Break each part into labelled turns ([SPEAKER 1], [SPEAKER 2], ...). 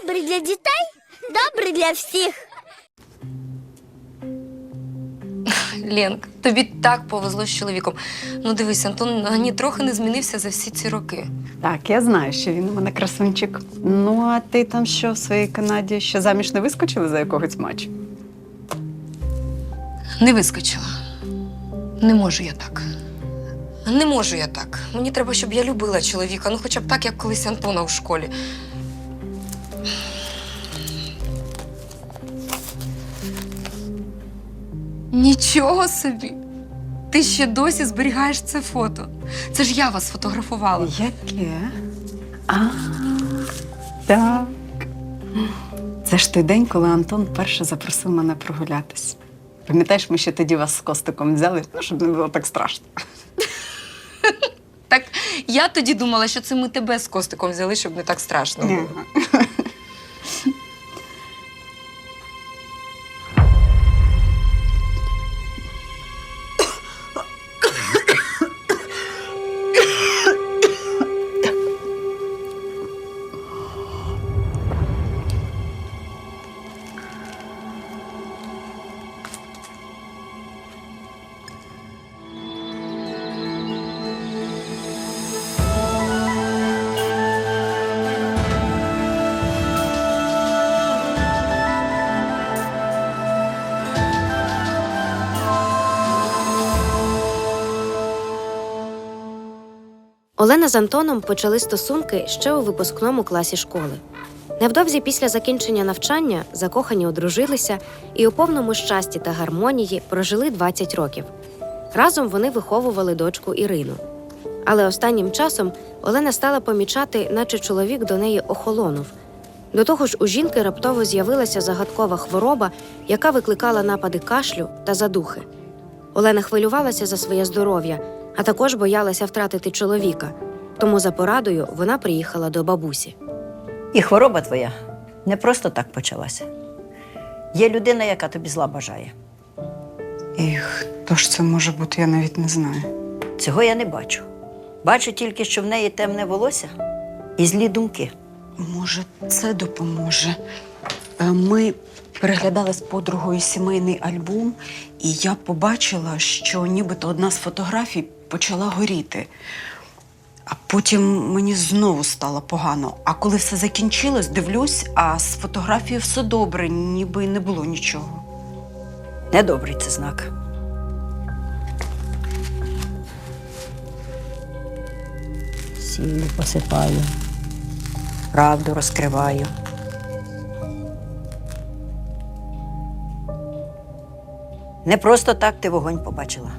[SPEAKER 1] Добрий для дітей, добрий для всіх.
[SPEAKER 2] Ленк, тобі так повезло з чоловіком. Ну дивись, Антон ані трохи не змінився за всі ці роки.
[SPEAKER 3] Так, я знаю, що він у мене красунчик. Ну, а ти там що в своїй Канаді? Ще заміж не вискочили за якогось матчу?
[SPEAKER 2] Не вискочила. Не можу я так. Не можу я так. Мені треба, щоб я любила чоловіка. Ну хоча б так, як колись Антона у школі. Нічого собі! Ти ще досі зберігаєш це фото. Це ж я вас фотографувала.
[SPEAKER 3] Яке? Так. Це ж той день, коли Антон перше запросив мене прогулятись. Пам'ятаєш, ми ще тоді вас з Костиком взяли, ну, щоб не було так страшно.
[SPEAKER 2] Так я тоді думала, що це ми тебе з Костиком взяли, щоб не так страшно було.
[SPEAKER 4] Олена з Антоном почали стосунки ще у випускному класі школи. Невдовзі після закінчення навчання закохані одружилися і у повному щасті та гармонії прожили 20 років. Разом вони виховували дочку Ірину. Але останнім часом Олена стала помічати, наче чоловік до неї охолонув. До того ж, у жінки раптово з'явилася загадкова хвороба, яка викликала напади кашлю та задухи. Олена хвилювалася за своє здоров'я, а також боялася втратити чоловіка. Тому за порадою вона приїхала до бабусі.
[SPEAKER 5] І хвороба твоя не просто так почалася. Є людина, яка тобі зла бажає.
[SPEAKER 3] І хто ж це може бути, я навіть не знаю.
[SPEAKER 5] Цього я не бачу. Бачу тільки, що в неї темне волосся і злі думки.
[SPEAKER 3] Може, це допоможе. Ми переглядали з подругою сімейний альбом, і я побачила, що нібито одна з фотографій почала горіти. А потім мені знову стало погано. А коли все закінчилось, дивлюсь, а з фотографією все добре, ніби й не було нічого.
[SPEAKER 5] Недобрий це знак. Сіллю посипаю, правду розкриваю. Не просто так ти вогонь побачила.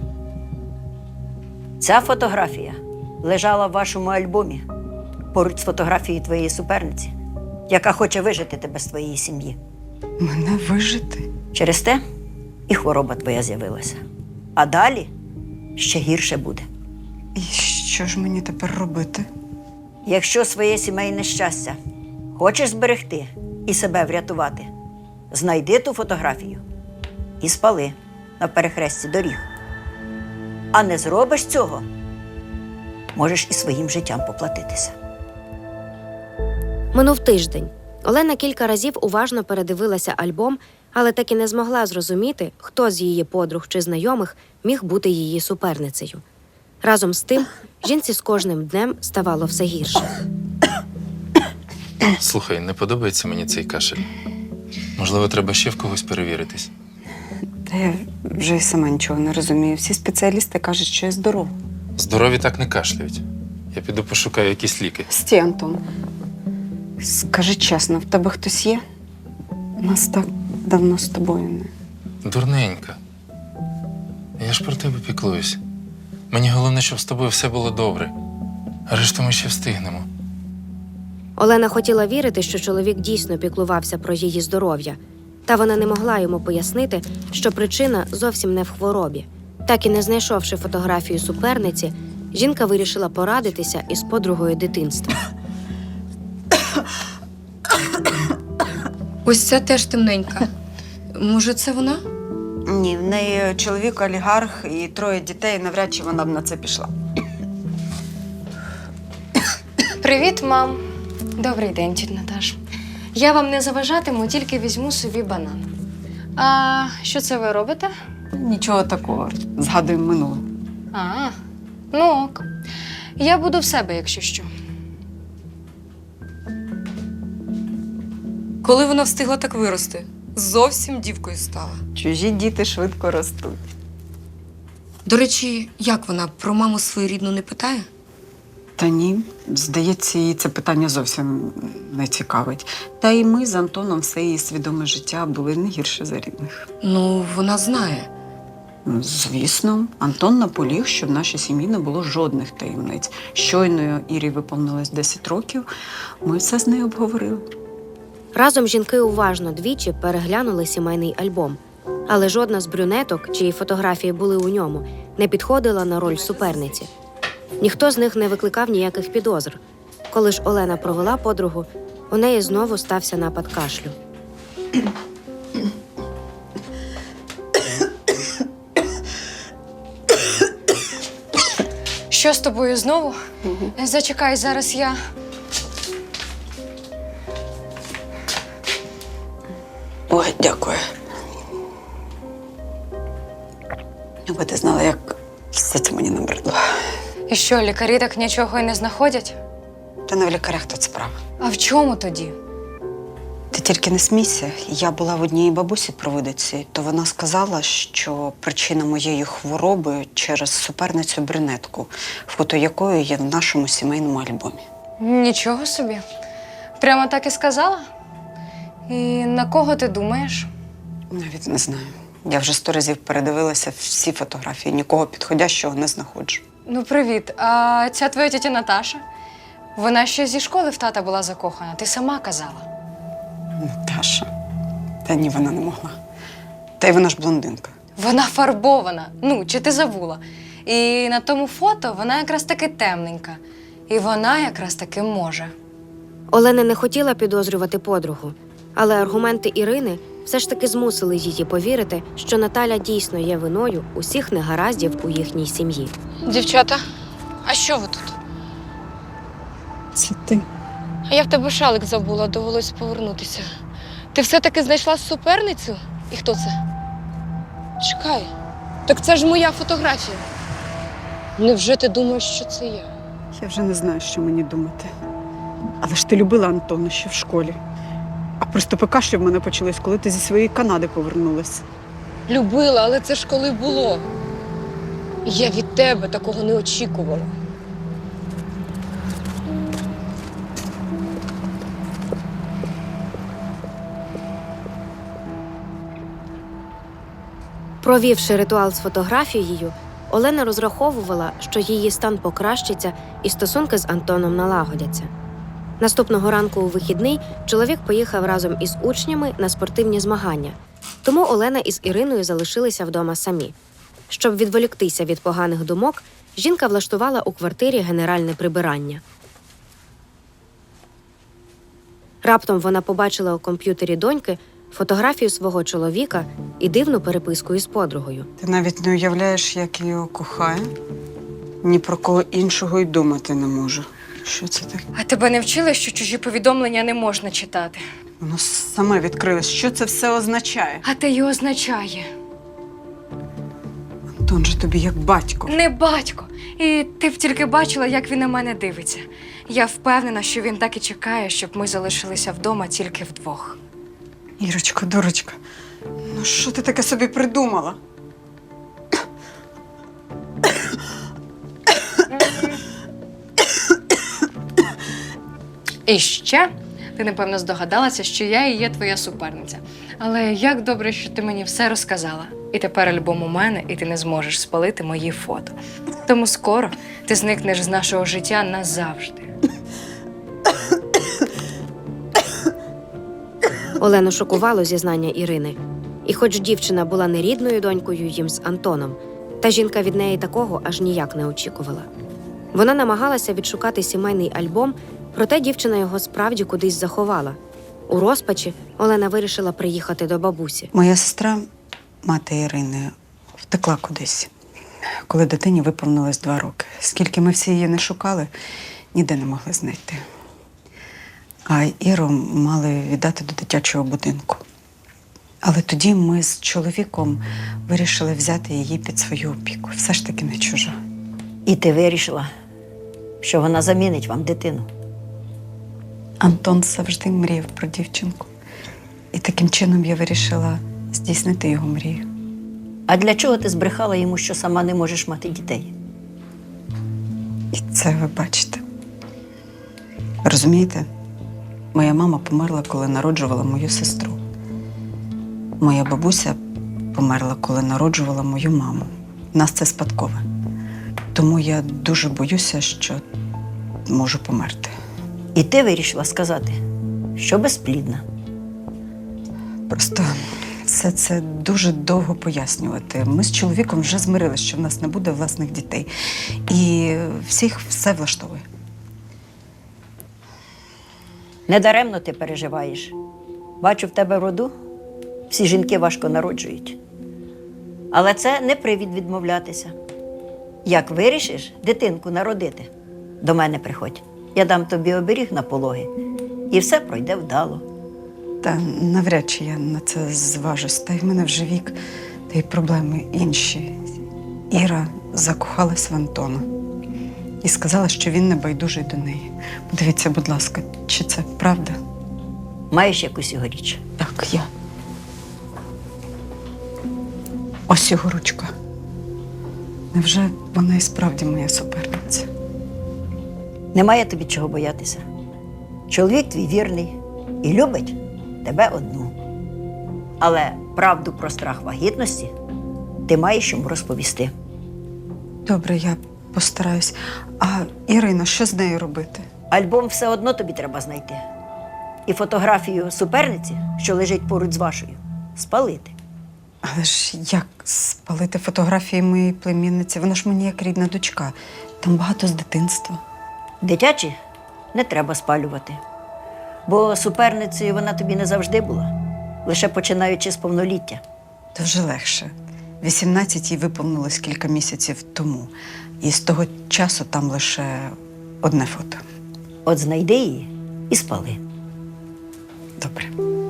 [SPEAKER 5] Ця фотографія лежала в вашому альбомі поруч з фотографією твоєї суперниці, яка хоче вижити тебе з твоєї сім'ї.
[SPEAKER 3] Мене вижити?
[SPEAKER 5] Через те і хвороба твоя з'явилася. А далі ще гірше буде.
[SPEAKER 3] І що ж мені тепер робити?
[SPEAKER 5] Якщо своє сімейне щастя хочеш зберегти і себе врятувати, знайди ту фотографію і спали на перехресті доріг. А не зробиш цього, можеш і своїм життям поплатитися.
[SPEAKER 4] Минув тиждень. Олена кілька разів уважно передивилася альбом, але так і не змогла зрозуміти, хто з її подруг чи знайомих міг бути її суперницею. Разом з тим, жінці з кожним днем ставало все гірше.
[SPEAKER 6] Слухай, не подобається мені цей кашель. Можливо, треба ще в когось перевіритись.
[SPEAKER 3] Та я вже й сама нічого не розумію. Всі спеціалісти кажуть, що я здорова.
[SPEAKER 6] Здорові так не кашляють. Я піду пошукаю якісь ліки.
[SPEAKER 3] Стій, Антон. Скажи чесно, в тебе хтось є? Нас так давно з тобою не.
[SPEAKER 6] Дурненька. Я ж про тебе піклуюсь. Мені головне, щоб з тобою все було добре. А решту ми ще встигнемо.
[SPEAKER 4] Олена хотіла вірити, що чоловік дійсно піклувався про її здоров'я. Та вона не могла йому пояснити, що причина зовсім не в хворобі. Так і не знайшовши фотографію суперниці, жінка вирішила порадитися із подругою дитинства.
[SPEAKER 2] Ось ця теж темненька. Може, це вона?
[SPEAKER 3] Ні, в неї чоловік олігарх і 3 дітей, навряд чи вона б на це пішла.
[SPEAKER 7] Привіт, мам. Добрий день, тітя Наташ.
[SPEAKER 2] Я вам не заважатиму, тільки візьму собі банан. А що це ви робите?
[SPEAKER 3] Нічого такого. Згадуємо минуле.
[SPEAKER 2] А, ну ок. Я буду в себе, якщо що. Коли вона встигла так вирости? Зовсім дівкою стала.
[SPEAKER 3] Чужі діти швидко ростуть.
[SPEAKER 2] До речі, як вона про маму свою рідну не питає?
[SPEAKER 3] Та ні, здається, її це питання зовсім не цікавить. Та й ми з Антоном все її свідоме життя були не гірше за рідних.
[SPEAKER 2] Ну, вона знає.
[SPEAKER 3] Ну, звісно, Антон наполіг, що в нашій сім'ї не було жодних таємниць. Щойно Ірі виповнилось 10 років, ми все з нею обговорили.
[SPEAKER 4] Разом жінки уважно двічі переглянули сімейний альбом. Але жодна з брюнеток, чиї фотографії були у ньому, не підходила на роль суперниці. Ніхто з них не викликав ніяких підозр. Коли ж Олена провела подругу, у неї знову стався напад кашлю.
[SPEAKER 2] Що з тобою знову? Зачекай, зараз я.
[SPEAKER 3] Ой, дякую. Якби ти знала, як все це мені набридло.
[SPEAKER 2] І що, лікарі так нічого й не знаходять?
[SPEAKER 3] Та не в лікарях тут справа.
[SPEAKER 2] А в чому тоді?
[SPEAKER 3] Ти тільки не смійся. Я була в одній бабусі провидиці, то вона сказала, що причина моєї хвороби через суперницю брюнетку, фото якої є в нашому сімейному альбомі.
[SPEAKER 2] Нічого собі. Прямо так і сказала? І на кого ти думаєш?
[SPEAKER 3] Навіть не знаю. Я вже 100 разів передивилася всі фотографії, нікого підходящого не знаходжу.
[SPEAKER 2] Ну, привіт. А ця твоя тітя Наташа? Вона ще зі школи в тата була закохана, ти сама казала.
[SPEAKER 3] Наташа. Та ні, вона не могла. Та й вона ж блондинка.
[SPEAKER 2] Вона фарбована. Ну, чи ти забула? І на тому фото вона якраз таки темненька. І вона якраз таки може.
[SPEAKER 4] Олена не хотіла підозрювати подругу, але аргументи Ірини все ж таки змусили її повірити, що Наталя дійсно є виною усіх негараздів у їхній сім'ї.
[SPEAKER 2] Дівчата, а що ви тут?
[SPEAKER 3] Це ти.
[SPEAKER 2] А я в тебе шалик забула, довелось повернутися. Ти все-таки знайшла суперницю? І хто це? Чекай, так це ж моя фотографія. Невже ти думаєш, що це я?
[SPEAKER 3] Я вже не знаю, що мені думати. Але ж ти любила Антона ще в школі. А приступи кашлю в мене почались, коли ти зі своєї Канади повернулась.
[SPEAKER 2] Любила, але це ж коли було. Я від тебе такого не очікувала.
[SPEAKER 4] Провівши ритуал з фотографією, Олена розраховувала, що її стан покращиться і стосунки з Антоном налагодяться. Наступного ранку у вихідний чоловік поїхав разом із учнями на спортивні змагання, тому Олена із Іриною залишилися вдома самі. Щоб відволіктися від поганих думок, жінка влаштувала у квартирі генеральне прибирання. Раптом вона побачила у комп'ютері доньки фотографію свого чоловіка і дивну переписку із подругою.
[SPEAKER 3] Ти навіть не уявляєш, як я його кохаю. Ні про кого іншого й думати не можу. Що це таке?
[SPEAKER 2] А тебе не вчили, що чужі повідомлення не можна читати?
[SPEAKER 3] Воно саме відкрилось. Що це все означає?
[SPEAKER 2] А те й означає.
[SPEAKER 3] Антон же тобі як батько.
[SPEAKER 2] Не батько. І ти б тільки бачила, як він на мене дивиться. Я впевнена, що він так і чекає, щоб ми залишилися вдома тільки вдвох.
[SPEAKER 3] Ірочко, дурочка, ну що ти таке собі придумала?
[SPEAKER 2] І ще ти, напевно, здогадалася, що я і є твоя суперниця. Але як добре, що ти мені все розказала. І тепер альбом у мене, і ти не зможеш спалити мої фото. Тому скоро ти зникнеш з нашого життя назавжди.
[SPEAKER 4] Олену шокувало зізнання Ірини. І хоч дівчина була не рідною донькою їм з Антоном, та жінка від неї такого аж ніяк не очікувала. Вона намагалася відшукати сімейний альбом, проте дівчина його справді кудись заховала. У розпачі Олена вирішила приїхати до бабусі.
[SPEAKER 3] Моя сестра, мати Ірини, втекла кудись, коли дитині виповнилось 2 роки. Скільки ми всі її не шукали, ніде не могли знайти. а Іру мали віддати до дитячого будинку. Але тоді ми з чоловіком вирішили взяти її під свою опіку. Все ж таки не чужа.
[SPEAKER 5] І ти вирішила, що вона замінить вам дитину.
[SPEAKER 3] Антон завжди мріяв про дівчинку. І таким чином я вирішила здійснити його мрію.
[SPEAKER 5] А для чого ти збрехала йому, що сама не можеш мати дітей?
[SPEAKER 3] І це ви бачите. Розумієте, моя мама померла, коли народжувала мою сестру. Моя бабуся померла, коли народжувала мою маму. У нас це спадкове. Тому я дуже боюся, що можу померти.
[SPEAKER 5] І ти вирішила сказати, що безплідна.
[SPEAKER 3] Просто все це дуже довго пояснювати. Ми з чоловіком вже змирилися, що в нас не буде власних дітей. І всіх все влаштовує.
[SPEAKER 5] Недаремно ти переживаєш. Бачу, в тебе в роду всі жінки важко народжують. Але це не привід відмовлятися. Як вирішиш дитинку народити, до мене приходь. Я дам тобі оберіг на пологи, і все пройде вдало.
[SPEAKER 3] Та навряд чи я на це зважусь. Та й в мене вже вік, та й проблеми інші. Іра закохалась в Антона і сказала, що він не байдужий до неї. Подивіться, будь ласка, чи це правда?
[SPEAKER 5] Маєш якусь його річ?
[SPEAKER 3] Так, я. Ось його ручка. Невже вона і справді моя суперниця?
[SPEAKER 5] Немає тобі чого боятися. Чоловік твій вірний і любить тебе одну. Але правду про страх вагітності ти маєш йому розповісти.
[SPEAKER 3] Добре, я постараюсь. А Ірина, що з нею робити?
[SPEAKER 5] Альбом все одно тобі треба знайти. І фотографію суперниці, що лежить поруч з вашою, спалити.
[SPEAKER 3] Але ж як спалити фотографії моєї племінниці? Вона ж мені як рідна дочка. Там багато з дитинства.
[SPEAKER 5] Дитячі не треба спалювати. Бо суперницею вона тобі не завжди була, лише починаючи з повноліття.
[SPEAKER 3] То вже легше. 18 їй виповнилось кілька місяців тому. І з того часу там лише одне фото.
[SPEAKER 5] От знайди її і спали.
[SPEAKER 3] Добре.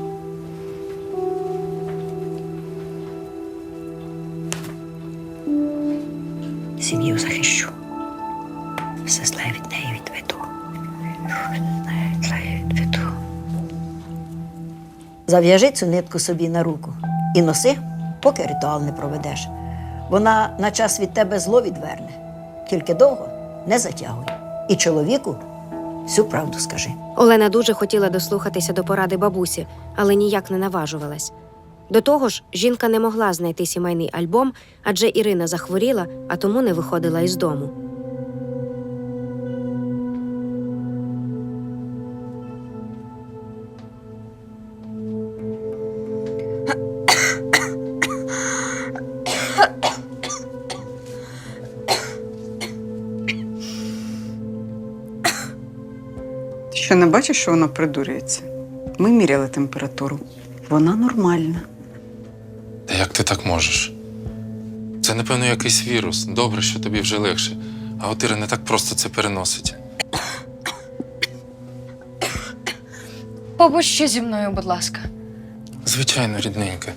[SPEAKER 5] Сім'ю захищу. Все зле від неї відведу. Зле відведу. Зав'яжи цю нитку собі на руку і носи, поки ритуал не проведеш. Вона на час від тебе зло відверне. Тільки довго не затягуй. І чоловіку всю правду скажи.
[SPEAKER 4] Олена дуже хотіла дослухатися до поради бабусі, але ніяк не наважувалась. До того ж, жінка не могла знайти сімейний альбом, адже Ірина захворіла, а тому не виходила із дому.
[SPEAKER 3] Ти що, не бачиш, що вона придурюється? Ми міряли температуру. Вона нормальна.
[SPEAKER 6] Та як ти так можеш? Це, напевно, якийсь вірус. Добре, що тобі вже легше. А от Іра не так просто це переносить.
[SPEAKER 2] Побудь ще зі мною, будь ласка.
[SPEAKER 6] Звичайно, рідненька.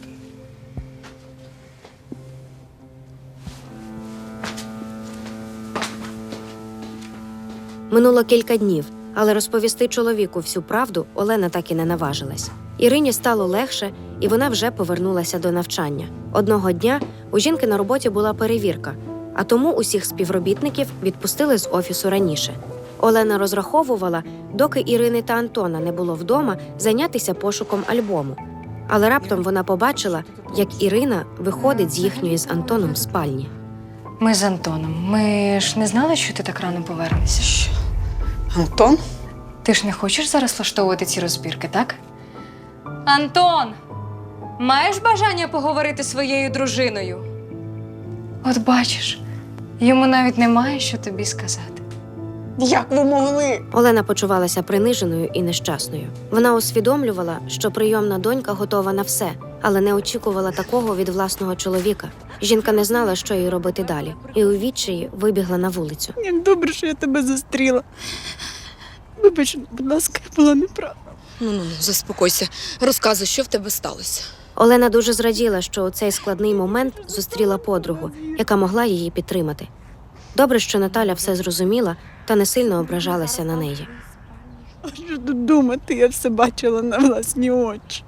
[SPEAKER 4] Минуло кілька днів, але розповісти чоловіку всю правду Олена так і не наважилась. Ірині стало легше, і вона вже повернулася до навчання. Одного дня у жінки на роботі була перевірка, а тому усіх співробітників відпустили з офісу раніше. Олена розраховувала, доки Ірини та Антона не було вдома, зайнятися пошуком альбому. Але раптом вона побачила, як Ірина виходить з їхньої з Антоном спальні.
[SPEAKER 2] Ми з Антоном. Ми ж не знали, що ти так рано повернешся.
[SPEAKER 3] Що? Антон?
[SPEAKER 2] Ти ж не хочеш зараз влаштовувати ці розбірки, так? Антон! Маєш бажання поговорити зі своєю дружиною? От бачиш, йому навіть немає що тобі сказати.
[SPEAKER 3] Як ви могли?
[SPEAKER 4] Олена почувалася приниженою і нещасною. Вона усвідомлювала, що прийомна донька готова на все, але не очікувала такого від власного чоловіка. Жінка не знала, що їй робити далі, і у відчаї вибігла на вулицю.
[SPEAKER 3] Як добре, що я тебе зустріла. Вибач, будь ласка, я була неправа.
[SPEAKER 7] Ну, заспокойся. Розказуй, що в тебе сталося.
[SPEAKER 4] Олена дуже зраділа, що у цей складний момент зустріла подругу, яка могла її підтримати. Добре, що Наталя все зрозуміла та не сильно ображалася на неї.
[SPEAKER 3] А що тут думати, я все бачила на власні очі.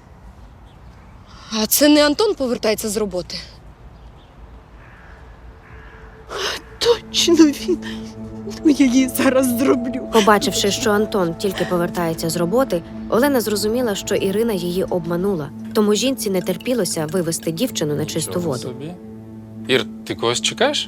[SPEAKER 7] А це не Антон повертається з роботи?
[SPEAKER 3] Точно він. Ну, я її зараз зроблю.
[SPEAKER 4] Побачивши, що Антон тільки повертається з роботи, Олена зрозуміла, що Ірина її обманула, тому жінці не терпілося вивести дівчину на чисту
[SPEAKER 6] Чого
[SPEAKER 4] воду.
[SPEAKER 6] собі? Ір, ти когось чекаєш?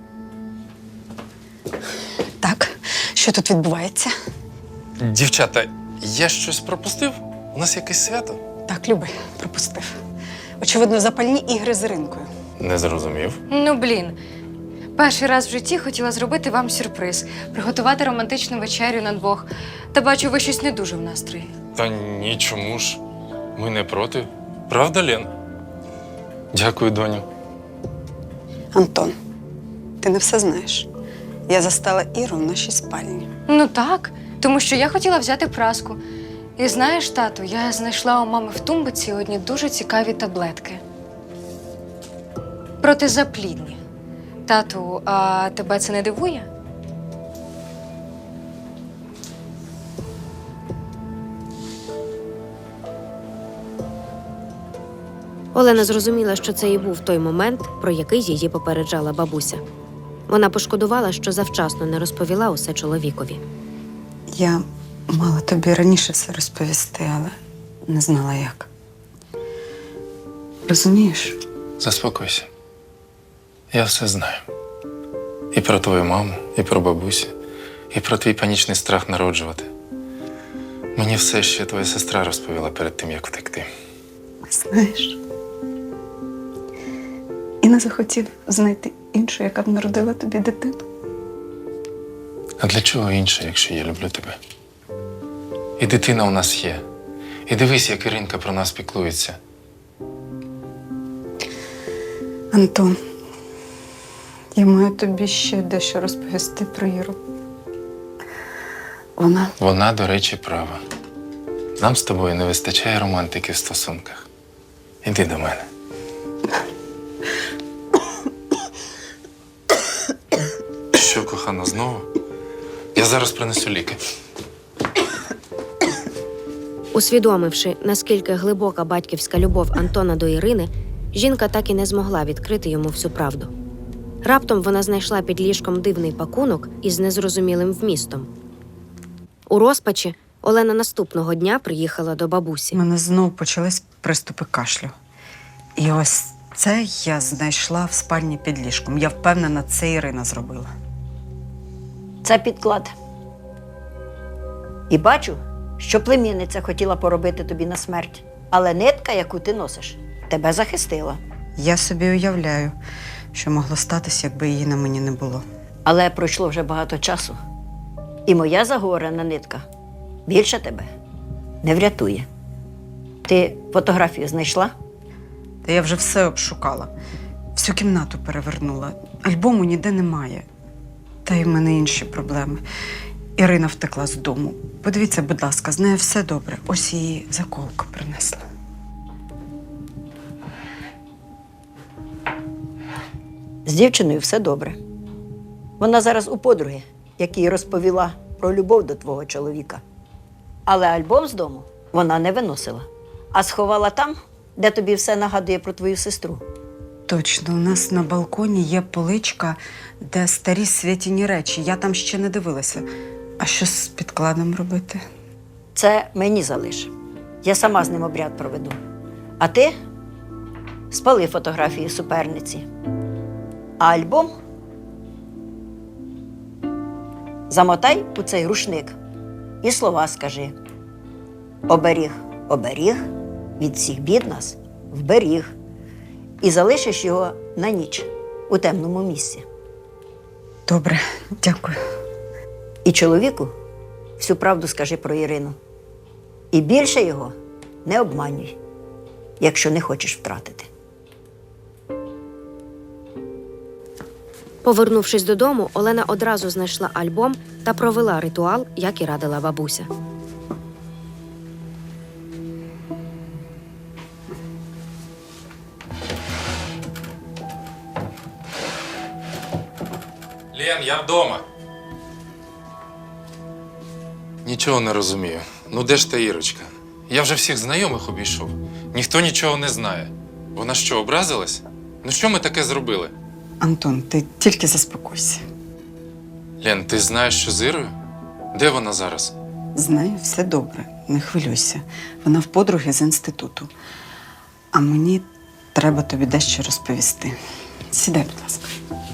[SPEAKER 3] Так, що тут відбувається?
[SPEAKER 6] Дівчата, я щось пропустив? У нас якесь свято?
[SPEAKER 3] Так, Люби, пропустив. Очевидно, запальні ігри з Іринкою.
[SPEAKER 6] Не зрозумів.
[SPEAKER 2] Ну, блін. Перший раз в житті хотіла зробити вам сюрприз, приготувати романтичну вечерю на двох. Та бачу, ви щось не дуже в настрої.
[SPEAKER 6] Та ні, чому ж? Ми не проти. Правда, Лен? Дякую, доню.
[SPEAKER 3] Антон, ти не все знаєш. Я застала Іру в нашій спальні.
[SPEAKER 2] Ну так, тому що я хотіла взяти праску. І знаєш, тату, я знайшла у мами в тумбиці одні дуже цікаві таблетки. Протизаплідні. Тату, а тебе це не дивує?
[SPEAKER 4] Олена зрозуміла, що це і був той момент, про який її попереджала бабуся. Вона пошкодувала, що завчасно не розповіла усе чоловікові.
[SPEAKER 3] Я мала тобі раніше все розповісти, але не знала як. Розумієш?
[SPEAKER 6] Заспокойся. Я все знаю. І про твою маму, і про бабусю, і про твій панічний страх народжувати. Мені все ще твоя сестра розповіла перед тим, як втекти.
[SPEAKER 3] Знаєш. І не захотів знайти іншу, яка б народила тобі дитину.
[SPEAKER 6] А для чого інше, якщо я люблю тебе? І дитина у нас є. І дивись, як Іринка про нас піклується.
[SPEAKER 3] Антон, я маю тобі ще дещо розповісти про Іру.
[SPEAKER 6] Вона, до речі, права. Нам з тобою не вистачає романтики в стосунках. Іди до мене. Що, кохана, знову? Я зараз принесу ліки.
[SPEAKER 4] Усвідомивши, наскільки глибока батьківська любов Антона до Ірини, жінка так і не змогла відкрити йому всю правду. Раптом вона знайшла під ліжком дивний пакунок із незрозумілим вмістом. У розпачі Олена наступного дня приїхала до
[SPEAKER 3] У
[SPEAKER 4] бабусі.
[SPEAKER 3] мене знов почались приступи кашлю. І ось це я знайшла в спальні під ліжком. Я впевнена, це Ірина зробила.
[SPEAKER 5] Це підклад. І бачу, що племінниця хотіла поробити тобі на смерть. Але нитка, яку ти носиш, тебе захистила.
[SPEAKER 3] Я собі уявляю, що могло статися, якби її на мені не було.
[SPEAKER 5] Але пройшло вже багато часу. І моя заговорена нитка більше тебе не врятує. Ти фотографію знайшла?
[SPEAKER 3] Та я вже все обшукала. Всю кімнату перевернула. Альбому ніде немає. Та й в мене інші проблеми. Ірина втекла з дому. Подивіться, будь ласка, з нею все добре. Ось її заколку принесла.
[SPEAKER 5] З дівчиною все добре. Вона зараз у подруги, якій розповіла про любов до твого чоловіка. Але альбом з дому вона не виносила, а сховала там, де тобі все нагадує про твою сестру.
[SPEAKER 3] Точно, у нас на балконі є поличка, де старі святіні речі. Я там ще не дивилася. А що з підкладом робити?
[SPEAKER 5] Це мені залиш. Я сама з ним обряд проведу. А ти спали фотографії суперниці. А альбом замотай у цей рушник і слова скажи. Оберіг, оберіг, від всіх бід нас вберіг. І залишиш його на ніч у темному місці.
[SPEAKER 3] Добре, дякую.
[SPEAKER 5] І чоловіку всю правду скажи про Ірину. І більше його не обманюй, якщо не хочеш втратити.
[SPEAKER 4] Повернувшись додому, Олена одразу знайшла альбом та провела ритуал, як і радила бабуся.
[SPEAKER 6] Лен, я вдома. Нічого не розумію. Ну де ж та Ірочка? Я вже всіх знайомих обійшов. Ніхто нічого не знає. Вона що, образилась? Ну що ми таке зробили?
[SPEAKER 3] Антон, ти тільки заспокойся.
[SPEAKER 6] Лен, ти знаєш, що з Ірою? Де вона зараз?
[SPEAKER 3] Знаю, все добре, не хвилюйся. Вона в подруги з інституту. А мені треба тобі дещо розповісти. Сідай, будь ласка.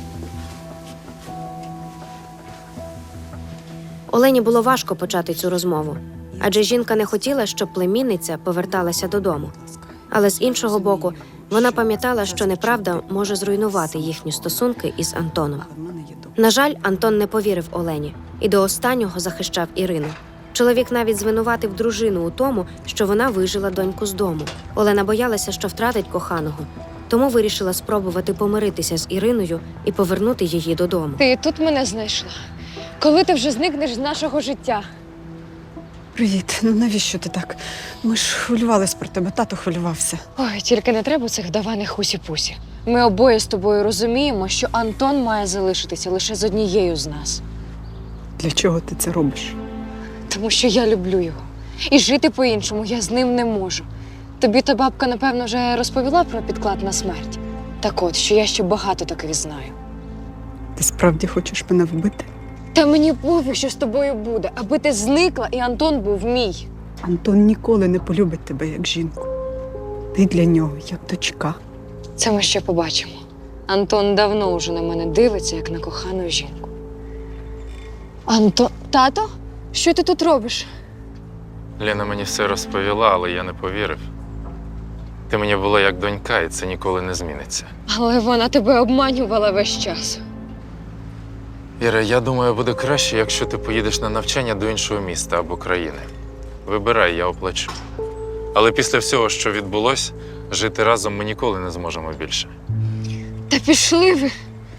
[SPEAKER 4] Олені було важко почати цю розмову, адже жінка не хотіла, щоб племінниця поверталася додому. Але з іншого боку, вона пам'ятала, що неправда може зруйнувати їхні стосунки із Антоном.
[SPEAKER 3] Але в мене є добре.
[SPEAKER 4] На жаль, Антон не повірив Олені і до останнього захищав Ірину. Чоловік навіть звинуватив дружину у тому, що вона вижила доньку з дому. Олена боялася, що втратить коханого, тому вирішила спробувати помиритися з Іриною і повернути її додому.
[SPEAKER 2] Ти і тут мене знайшла. Коли ти вже зникнеш з нашого життя?
[SPEAKER 3] Привіт, ну навіщо ти так? Ми ж хвилювались про тебе, тато хвилювався.
[SPEAKER 2] Ой, тільки не треба цих даваних хусі-пусі. Ми обоє з тобою розуміємо, що Антон має залишитися лише з однією з нас.
[SPEAKER 3] Для чого ти це робиш?
[SPEAKER 2] Тому що я люблю його. І жити по-іншому я з ним не можу. Тобі та бабка, напевно, вже розповіла про підклад на смерть. Так от, що я ще багато таких знаю.
[SPEAKER 3] Ти справді хочеш мене вбити?
[SPEAKER 2] Та мені пофіг, що з тобою буде, аби ти зникла і Антон був мій.
[SPEAKER 3] Антон ніколи не полюбить тебе як жінку. Ти для нього як дочка.
[SPEAKER 2] Це ми ще побачимо. Антон давно уже на мене дивиться, як на кохану жінку. Тато? Що ти тут робиш?
[SPEAKER 6] Лена мені все розповіла, але я не повірив. Ти мені була як донька, і це ніколи не зміниться.
[SPEAKER 2] Але вона тебе обманювала весь час.
[SPEAKER 6] Іра, я думаю, буде краще, якщо ти поїдеш на навчання до іншого міста або країни. Вибирай, я оплачу. Але після всього, що відбулось, жити разом ми ніколи не зможемо більше.
[SPEAKER 2] Та пішли ви.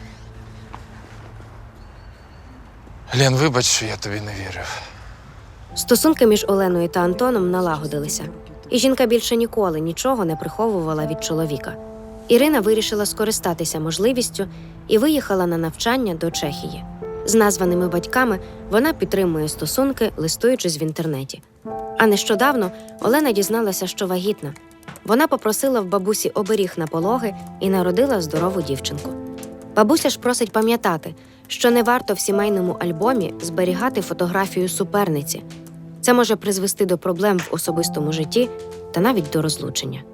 [SPEAKER 6] Лен, вибач, що я тобі не вірив.
[SPEAKER 4] Стосунки між Оленою та Антоном налагодилися, і жінка більше ніколи нічого не приховувала від чоловіка. Ірина вирішила скористатися можливістю і виїхала на навчання до Чехії. З названими батьками вона підтримує стосунки, листуючись в інтернеті. А нещодавно Олена дізналася, що вагітна. Вона попросила в бабусі оберіг на пологи і народила здорову дівчинку. Бабуся ж просить пам'ятати, що не варто в сімейному альбомі зберігати фотографію суперниці. Це може призвести до проблем в особистому житті та навіть до розлучення.